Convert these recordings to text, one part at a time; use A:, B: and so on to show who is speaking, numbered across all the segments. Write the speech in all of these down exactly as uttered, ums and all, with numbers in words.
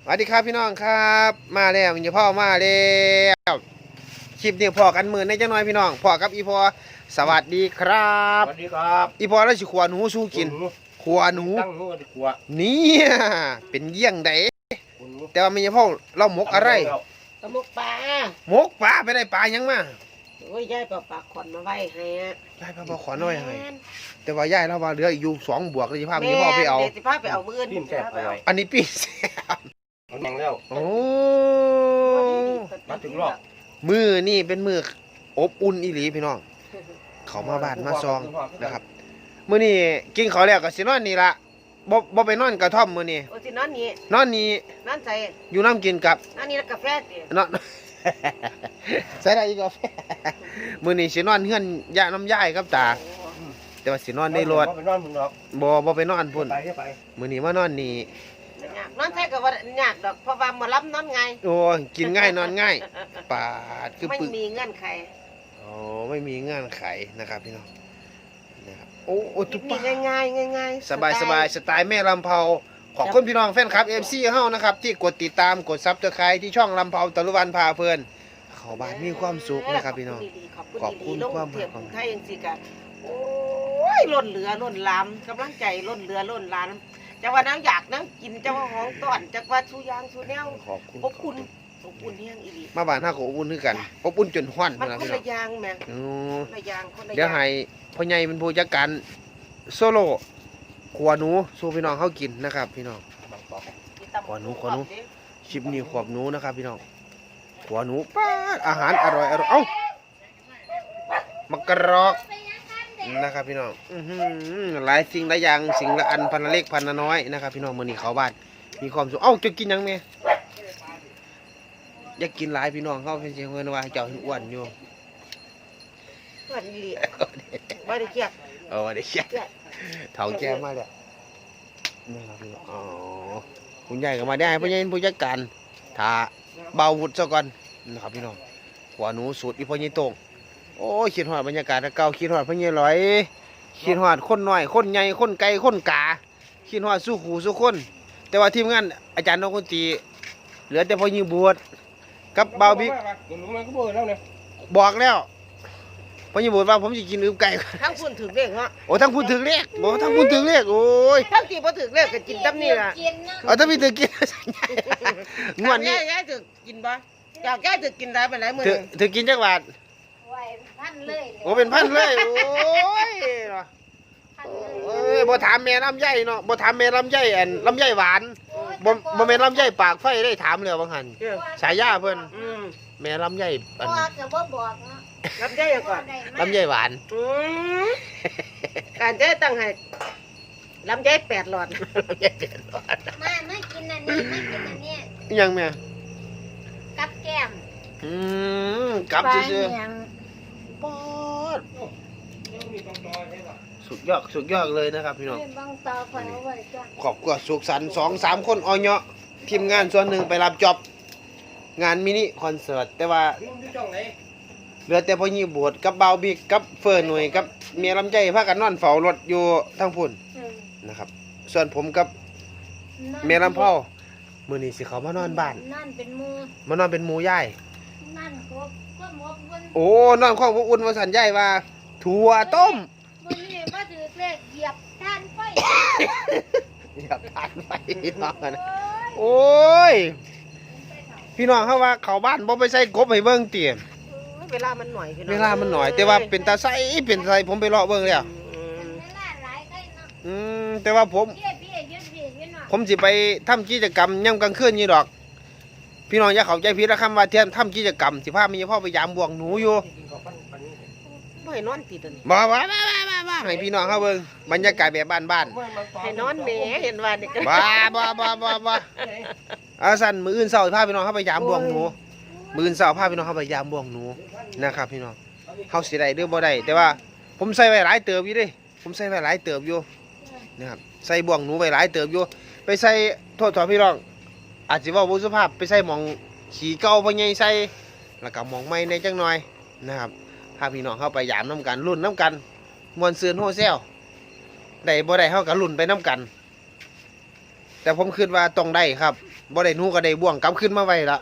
A: วัสดีครับพี่น้องครับมาแล้วมีพ่อมาแล้วคลิปนี้พ่อกันหมื่นในจังน้อยพี่น้องพ่อกับอีพ่อสวัสดีครับ
B: สวัสดีครับ
A: อีพ่อแล้วสิขวาหนูสู้กินขวาหนู
B: ตั้งหนูดีกว่า
A: เนี่ยเป็นเยี่ยงใดแต่ว่ามีพ่อเราหมกอะไร
C: ตะมกปลา
A: หมกปลาไปได้ปลายังมา
C: โอ้ยยายปลาปลาขอนมาไว้ให้
A: ยายปลาปลาขอนไว้ให้แต่ว่ายายเราว่าเหลืออยู่สองบวกเลยสิพามีพ่อไปเอา
C: เดี๋ยวสิพาไปเอามืออื่น
B: ปิ้งแซ่บอร่อย
A: อันนี้ปิ้งแซ่บ
B: เอาแดงแล้ว
A: โอ้
B: มาถึงรอบ
A: มือนี่เป็นมืออบอุ่นอีหลีพี่น้องเขามาบ้านมาซองนะครับมื้อนี้กินข้าวแล้วก็สินอนนี่ละบ่บ่ไปนอนกระท่อมมื้อนี้
C: โอ้สินอนนี่
A: นอนนี่
C: นอนใส่
A: อยู่น้ำกินกับ
C: นอนนี่แล้วกาแฟสิ
A: นอนใส่ได้อีกกาแฟมื้อนี้สินอนเฮือนย่าน้ำยายกับตาแต่ว่าสินอนในรถ
B: ไปนอนพุ่นดอก
A: บ่บ่ไปนอนพุ่น
B: ไป
A: มื้อนี้มานอนนี่
C: นอนใส่ก็ว่ายากดอกเพราะว่ามารับนอนไง
A: โอ้กินง่ายนอนง่ายปาดคือ
C: ไม่
A: ปึก
C: มีเงื่อนไข
A: อ๋อไม่มีเงื่อนไขนะครับพี่น้องนะครับโอ้โอ้ตุ๊บ
C: ง่ายง่ายง่ายง่าย
A: สบายสบายสไตล์แม่ลำเผาขอบคุณพี่น้องแฟนคลับ เอฟ ซี เฮานะครับที่กดติดตามกดซับสไครต์ที่ช่องลำเผาตะลุวันพาเพลินเขาบ้านมีความสุขนะครับพี่น้อง
C: ขอบคุณความรักของไทยยังสิกะโอ้ยล้นเหลือล้นล้ำกำลังใจล้นเหลือล้นล้ำจะว่าน้ำอยากน้ำกินจะว่าห้องต้อนจะว่าชูยางชูแนวอบอุ่นอบอุ่นเฮียงอีดี
A: มาบ้านห้าก็อบอุ่นคือกันอบอุ่นจนห้อน
C: มันคนละยางแม่คนละยางคนละยาง
A: เดี๋ยวให้พ่อใหญ่เป็นผู้จัดการโซโล่ขวาหนูสู้พี่น้องเขากินนะครับพี่น้องขวาหนูขวาหนูชิปนี้ขวบหนูนะครับพี่น้องขวาหนูป้าอาหารอร่อยอร่อยเอ้ามักกะรอกนะครับพี่น้องหลายสิ่งหลายอย่างสิ่งละอันพันละเล็กพันละน้อยนะครับพี่น้องมื้อนี้เขาบ้านมีความสุขเอ้าจะกินยังไงอยากกินหลายพี่น้องเขาเป็นเชียงเงินว่าเจ้าอ้วนอยู่
C: อ้วนดีไม่ได้เกียด
A: เออได้เกียดเถาแก่มาเลยนี่ครับพี่น้องอ๋อคุณใหญ่ก็มาได้พ่อใหญ่ผู้จัดการถ้าเบาวุฒิซะก่อนนะครับพี่น้องขวาหนูสูตรอีพ่อใหญ่โต่งโอ้ยคิดหอดบรรยากาศเก่าคิดหอดพ่อใหญ่ลอยคิดหอดคนน้อยคนใหญ่คนไกลคนกาคิดหอดสู้ขู่สู้คนแต่ว่าทีมงานอาจารย์นกคนตีเหลือแต่พ่อใหญ่บวชกับเบาบิ๊กบอกแล้วพ่อใหญ่บวชว่าผมจะกินอึไก่
C: ทั้งพูดถึงเรียกเนาะ
A: โอ้ทั้งพูดถึงเรียกโอ้ทั้งพูดถึงเรียกโอ้ย
C: ทั้งที่พูดถึงเรียกก็กินตั้มนี่แหละ
A: เอาถ้าพี่ถึงกินงวดนี้
C: แก่ถึงกินบ่อยากแก่ถึงกินได้ไปไหนมือ
A: ถึงกินจักบาท
D: พันเลย
A: โอ้เป็นพันเลยโอ้ยเออบ่ถามแม่ลำไยเนาะบ่ถามแม่ลำไยอันลำไยหวานบ่บ่แม่ลำไยปากไฟได้ถามเลยบางหันฉายาเพิ่นแม่ลำไยอัน
C: ลำไยก่อน
A: ลำไยหวาน
C: การเจ๊ตั้งให้ลำไยแปดหลอด
A: ลำไยแปดหลอด
D: มาไม่กินอันนี้ไม่กินอันนี้
A: ยังแม่
D: กับแก้ม
A: อืมกับซื่อปอดสุดยอดสุดยอดเลยนะครับพี่น้องขอบคุณสุขสันต์สองสามคนออยเนาะทีมงานส่วนหนึ่งไปรับจ็อบงานมินิคอนเสิร์ตแต่ว่าเหลือแต่พ่อยี่บวชกับเบาบิ๊กกับเฟิร์นหน่วยกับเมียลำใจพากันนอนเฝ้ารถอยู่ทั้งพุ่นนะครับส่วนผมกับเมียลำเผามือนี้สิเขามานอนบ้านมานอนเป็นหมูย่ายโอ้นอนข้องพวกอุ่นมาสันใหญ่ว่าถั่วต้ม
D: วันนี้มาถือเลขเหยียบทานไฟ
A: เหยียบทานไฟพี่น้องกันโอ้ยพี่น้องเขาว่าเขาบ้านบ่ไปใส่กบให้เบิ่งเตี๋ย
C: เวลามันหน่อย
A: เวลามันหน่อยแต่ว่าเป็นตาใสเป็นใสผมไปเลาะเบิ่งแล้วอืมแต่ว่าผมผมสิไปทำกิจกรรมย่ำกลางคืนนี่ดอกพี่น้องอย่าเข้าใจผิดนะคำว่าเทียนทำกิจกรรมสิพามีพ่อไปยามบวงหนูอยู่
C: บ่ให้นอนติด
A: บ่บ่บ่บ่บ่ให้พี่น้องเขาเบิ่งบรรยากาศแบบบ้าน
C: ๆให้นอนแหมเห็นว่านี่ก็
A: บ่บ่บ่บ่บ่อาสั่นมื้ออื่นเช้าพาพี่น้องเขาไปยามบวงหนูมื้ออื่นเช้าพาพี่น้องเขาไปยามบวงหนูนะครับพี่น้องเฮาสิได้หรือบ่ได้แต่ว่าผมใส่ไว้หลายเติบอยู่เด้ผมใส่ไว้หลายเติบอยู่นะครับใส่บวงหนูไว้หลายเติบอยู่ไปใส่โทษๆพี่น้องอาจจะว่าบุสุภาพไปใส่หมองขี่เก่าพ่อใหญ่ใส่แล้วก็หมองไม้ในจังหน่อยนะครับพาพี่น้องเข้าไปยามน้ำกันรุ่นน้ำกันมวนซืนโฮเซลได้บ่ได้เข้ากับรุ่นไปน้ำกันแต่แต่ผมคิดว่าต้องได้ครับบ่ได้หนูก็ได้บ่วงกลับขึ้นมาไว้ละ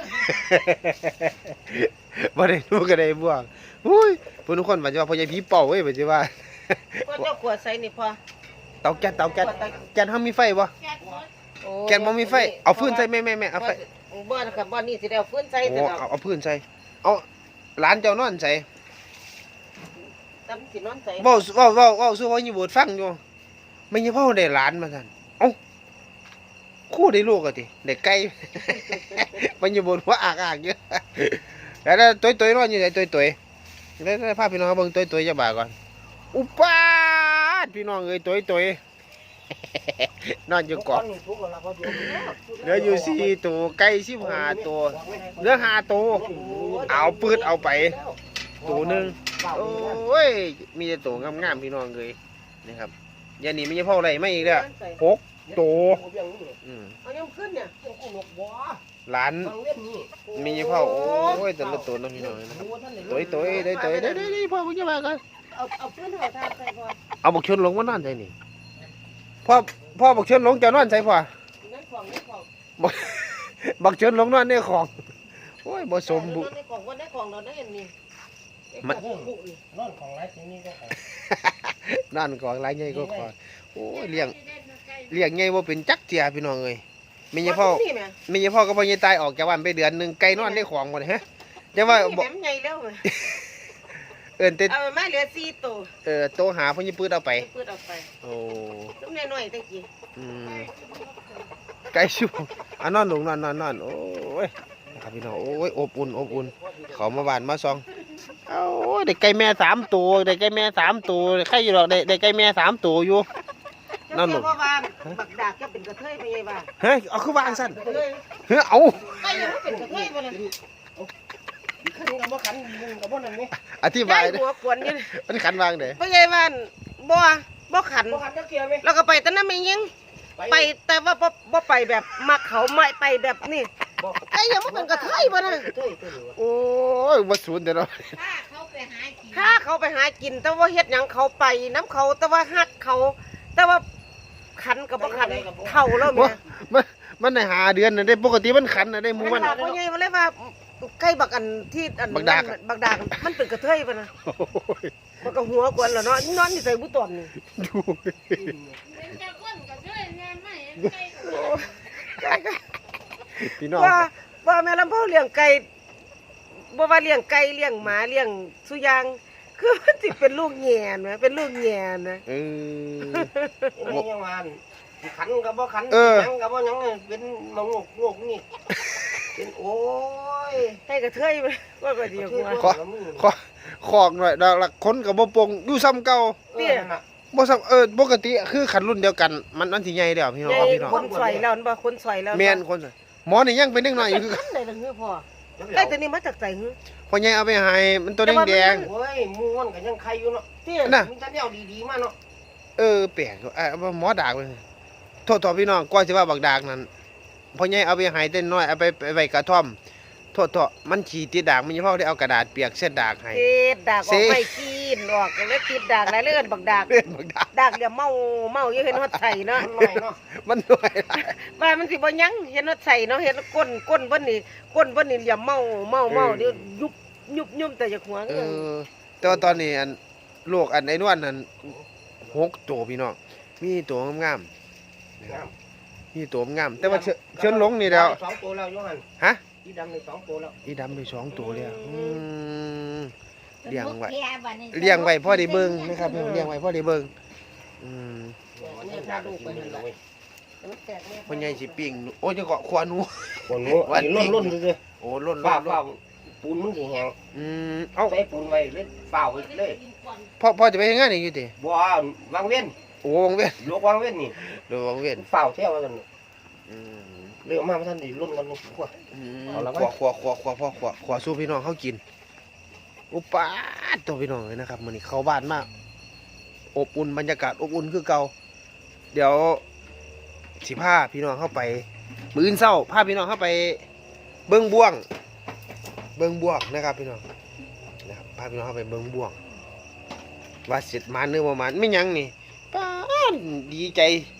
A: บ่ได้หนูก็ได้บ่วงอุ้ยเพิ่นทุกคนว่าจะว่าพ่อใหญ่ผีเป่าเว้ยว่าสิว่า
C: ก็เจ้าขวดใส่นี่พอ
A: เตาแก๊สเตาแก๊สแก๊สเฮามีไฟบ่
D: แก๊สหมด
C: โอ้
A: แก๊สบ่มีไฟเอาฟืนใส่แม่ๆๆเอาไฟ
C: บ่นะครับบ่นี่สิได้เอาฟืนใส่
A: โอ้
C: แต่ดอก
A: เอาเอาฟืนใส่เอาหลานเจ้านอนใส่
C: ตำสินอนใส่
A: เว้าเว้าเว้าเว้าสู่พ่ออยู่บทฟังอยู่ไม่ใช่พ่อได้หลานมาซั่นเอ้าคู่ได้ลูกอ่ะติได้ไก่ มันอยู่บนหัวอากๆอยู่ แล้วตัวตัวๆนอนอยู่ไหนตัวตัวๆแล้วพาพี่น้องเบิ่งตัวตัวๆจะบ่าก่อนอุปาดพี่น้องเอ้ยตัวตัวๆ นอนอยู่เกาะเหลืออยู่สี่ตัวไก่สิบห้าตัวเหลือห้าตัวเอาปืดเอาไปตัวหนึงโอ้ยมีแต่ตัวงามๆพี่น้องเอ้ยนะครับยานี่ไม่ใช่พ่ออะไรไม่อีกแล้วหกตัวอืม
C: เอายังขึ้นเนี่ย
A: หลานมีเผาโอ้ยแต่ละตัวน้องพี่น้องนะครับตัวตัวได้ตัวได้ได้ได้พ่อมึงจะมากัน
C: เอาเอาฟืนเฮาทาใส่พอ
A: เอาบักชนหลงมานอนใส่นี่พ่อพ่อบักชนหลงจะนอนใส่พ่อ
C: ในของในของ
A: บักชนหลงนอนในของโอ้ยบ่สมบุ
C: ในของบ่ในของเราได้อันนี้
A: มัน
B: นอนของไรที่นี่ก็ของ
A: นั่นของไรใหญ่ก็ขอโอ้ยเลี้ยงเลี้ยงใหญ่บ่เป็นจักเจียพี่น้องเอ้ยมีเฉพาะมีเฉพาะก็พ่อใหญ่ตายออกจากบ้านไปเดือนนึงไก่นอนในของหมดฮะจะว่า
C: บ่ใหญ่แล้ว
A: เอิ้นแต่
C: เอามาเหลือสี่ตัว
A: เออโตหาพ่อใหญ่ปืดเอาไป
C: ปืดเอาไป
A: โอ้
C: ตุ้มน้อยๆตะกี้
A: อืมไก่ชูอ่ะนอนลงนอนนอนนอนโอ้ยนะครับพี่น้องโอ้ยอบอุ่นอบอุ่นเขามาบ้านมาซองเอาโอ้ยได้ไก่แม่สามตัวได้ไก่แม่สามตัวใครอยู่หรอกได้ได้ไก่แม่สามตัวอยู่นั่นหนู
C: เพราะว่าบักดากจะเป็นกระเทยไปไงบ้า
A: เฮ้ยเอาคือวางสั้น
C: กระเทย
A: เฮ้ยเอา
C: ไก่ยังไม่เป็นกระเทยไปเลย
B: ขันกับว่าขันมึงกับว่านั่นนี่
A: อธิ
C: ไก่
A: บาย
C: หัวขวนอยู่
A: มันขันวางเด้
C: ไปไงบ้านบ่บ่ขัน
B: ว่าขันจะเกี่ยวไหม
C: แล้วก็ไปแต่นั้นไม่ยิงไปแต่ว่าบ่บ่ไปแบบมาเขาไม่ไปแบบนี่ไก่ยังไม่เป็นกระเทยบ่นะ
B: เต้ยเต้ย
A: โอ้ยมาสูนเดี๋ยวเรา
D: ถ้าเขาไปหากิน
C: ถ้าเขาไปหากินแต่ว่าเฮ็ดหยังเขาไปน้ำเขาแต่ว่าฮักเขา แต่ว่าขันกับบ่ขันเท่าแล้วแม่
A: มันมันได้หาเดือนน่ะได้ปกติมันขันน่ะได้หมู
C: มั
A: มัน น
C: บอกว่าไงมันเลยว่าใกล้บักอันที่อัน
A: บักดาก
C: นั่นบักดากมันเป็นกระเทยปะนะ
A: โอ้ย
C: มันก็หัวกวนแล้วเนาะนอนอยู่ใส่บุตรนี่
A: ดู
D: เป็นเจ้าคนก็ด้วยแน่ไม่เห็นใครก็
A: พี่น้อง
C: ว่าว่าแม่ลำพ่อเลี้ยงไก่บ่ว่าเลี้ยงไก่เลี้ยงหมาเลี้ยงสุอยางคือมันสิเป็นลูกแง่นะเป็นลูกแง่นะ
A: เออ
B: นี่ยังวันขันกับว่าขัน
A: เออ
B: ยังกับว่ายังเป็นมงกงกนี่เป็นโอ้ย
C: ให้กระเทยมันว่าก็ดีกว่า
A: ขอขอขอกหน่อยดอกละคนกับบ่ปงอยู่ซ้ำเก่า
B: เตี้ยน่ะ
A: บ่ซ้ำเออปกติคือขันรุ่นเดียวกัน มันมันสิใหญ่แล้วพี่น้อง
C: ใหญ่
A: พี่น้อง
C: คนสวยแล้วมันบ่คนสวยแล้ว
A: แม่นคนน่ะหมอนี่ยังเป็นเด็กน้อยอยู่คือ
C: ขันได้ละเงือพ่อไก่ตัวนี้มาจากไสหือ
A: พ่อใหญ่เอาไปให้มันตัวแดง
B: โอ้ยมูนกันยังใครอยู่เนาะ
C: เตี้ย
A: ๆน่ะ
B: มีแต่แนวดีๆมาเนาะ
A: เออแปลกอยู่เอ่อหมอดากเลยโทษๆพี่น้องก่อนสิว่าบักดากนั้นพ่อใหญ่เอาไปให้เต้นน้อยเอาไปไปไว้กระท่อมโทษๆมันฉี่ติดดากมันยังพอได้เอากระดาษเปียกเส้นดากให้
C: ติดดากอ
A: เซ่
C: อกไปกินออกก็เลยติดดากหลายเลื่อนบักดาก
A: เล่นบักดาก
C: ดากเดี๋ยวเมาเมาอยู่เห็นฮอดใส่เนาะ
B: มันหน่อยเนาะ
A: มันหน่วยหลาย
C: ว่ามันสิบ่ยั้งเห็นฮอดใส่เนาะเห็นก้นก้นเบิ่นนี่ก้นเบิ่นนี่เหลี่ยมเมาเมาเมาเดี๋ยวยุบยุบยุบแต่จากหัว
A: เออแต่ว่าตอนนี้อันโลกอันไอ้นวลนั้นหกตัวพี่น้องมีตัวงามๆนะครับมีตัวงามแต่ว่าเชิญเชิญหลงนี่แล้ว
B: สองตัวแล้วโยหัน
A: ฮะ
B: ที่ดำในสองตัวแล้ว
A: อีดำไปสองตัวเลยอืม เลี้ยงไว้
D: แก่บัดนี้
A: เลี้ยงไว้พ่อได้เบิ่งนะครับเลี้ยงไว้พ่อได้เบิ่งอืม
B: วันนี้พาลูกไปเลยเลย
C: มันแตกแน่
A: พ่อใหญ่สิปิ้งหนูโอ้ยจะเกาะขวาหนู
B: คนนู้อันนี้ล้นๆเลย
A: โอ้ล้น
B: ฝ้า
A: ล้น
B: ฝ้าปูนมันสิแห้ง
A: อืมเอ้า
B: ใส่ปูนไว้เลยฝ้าไว้เลย
A: พ่อพ่อจะไปเฮ็ดงานอีกอยู่ติ
B: บ่วางเว้น
A: โอ้วังเวียน
B: ลูกวางเว้นนี่
A: เดี๋ยววังเวียน
B: ฝ้าเที่ยวกัน
A: อืม
B: เรื่องมาท่านดีล้นกันลูกขวด
A: อืม
B: เอาละไหม
A: ขวขวขวขวขวพ่อขวขวสู้พี่น้องเขากินอุปาดตัวพี่น้องเลยนะครับมื้อนี้เข้าบ้านมากอบอุ่นบรรยากาศอบอุ่นคือเก่าเดี๋ยวสิพาพี่น้องเข้าไปมื้ออื่นเช้าพาพี่น้องเข้าไปเบิ่งบ่วง เบิ่งบ่วงนะครับพี่น้องนะครับพาพี่น้องเข้าไปเบิ่งบ่วง ว่าเสร็จมาเนื้อประมาณไม่หยังนี่ป้าดดีใจ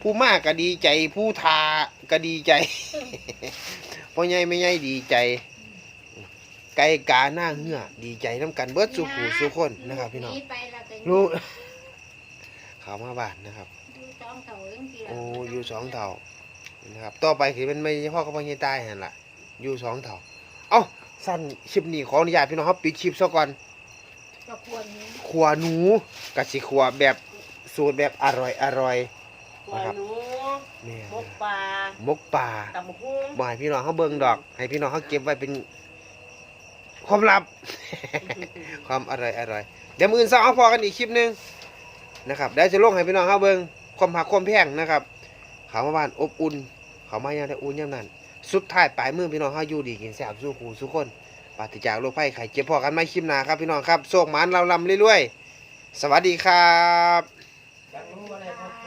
A: ผู้มากก็ดีใจผู้ทาก็ดีใจ พ่อใหญ่ไม่ใหญ่ดีใจ ไก่กาหน้าเหือดีใจน้ำกันเบิดสุขูสุคนนะครับพี่น้อง
D: ไปแล้วก็
A: ลูกเขามาบ้านนะครับ
D: ดูสองเท่าจังซี่ล่ะ
A: โอ้อยู่สองเท่านะครับต่อไปคือมันไม่ใช่พ่อกับพ่อใหญ่ตายหั่นล่ะอยู่สองเท่าเอ้าสั้นคลิปนี้ขออนุญาตพี่น้องครับปิดคลิปซะก่อน
D: ก็ควรนี้
A: ขัวหนูกะสิขัวแบบสูตรแบบอร่อยอร่อย
C: หัวหนู
A: แม่
C: มกปลาม
A: กป่า
C: ตำหุ้ง
A: บ่ให้พี่น้องเขาเบิ่งดอก ให้พี่น้องเขาเก็บไว้เป็นความลับ ความอร่อยอร่อยเดี๋ยวมื้ออื่นเช้าเอาพอกันอีกคลิปหนึงนะครับเดี๋ยวจะลงให้พี่น้องเขาเบิ่งความหักความแพงนะครับเขามาบ้านอบอุ่นเขามาอย่างได้อุ่นอย่างนั้นสุดท้ายปลายมือพี่น้องเขาอยู่ดีกินแซ่บสู้คู่สู้คนปราศจากโรคภัยไข้เจ็บพอกันไม่คลิปหน้าครับพี่น้องครับโชคหมานเราลำเรื่อยๆสวัสดีครับ
B: จังรู้อะไรครับ